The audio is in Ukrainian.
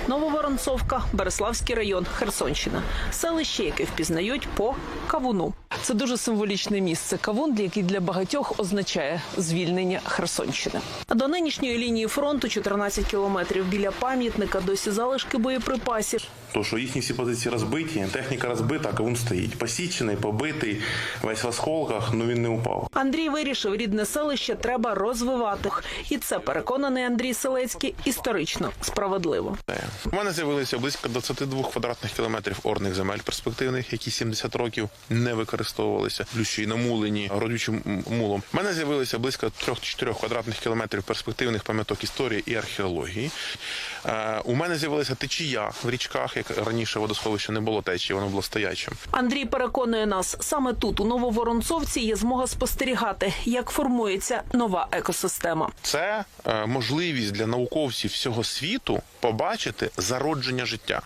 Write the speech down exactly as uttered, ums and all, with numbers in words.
Нововоронцовка, Береславський район, Херсонщина. Селище, яке впізнають по кавуну. Це дуже символічне місце. Кавун, який для багатьох означає звільнення Херсонщини. А до нинішньої лінії фронту чотирнадцять кілометрів. Біля пам'ятника досі залишки боєприпасів. То, що їхні всі позиції розбиті, техніка розбита, а кавун стоїть. Посічений, побитий, весь в осколках, але він не упав. Андрій вирішив, рідне селище треба розвивати. І це, переконаний Андрій Селецький, історично справедливо. У мене з'явилося близько двадцять два квадратних кілометрів орних земель перспективних, які сімдесят років не використовувалися, плюс й намулені родючим мулом. У мене з'явилося близько три-чотири квадратних кілометрів перспективних пам'яток історії і археології. У мене з'явилася течія в річках, як раніше водосховище не було течії, воно було стоячим. Андрій переконує нас, саме тут, у Нововоронцовці, є змога спостерігати, як формується нова екосистема. Це можливість для науковців всього світу побачити зародження життя.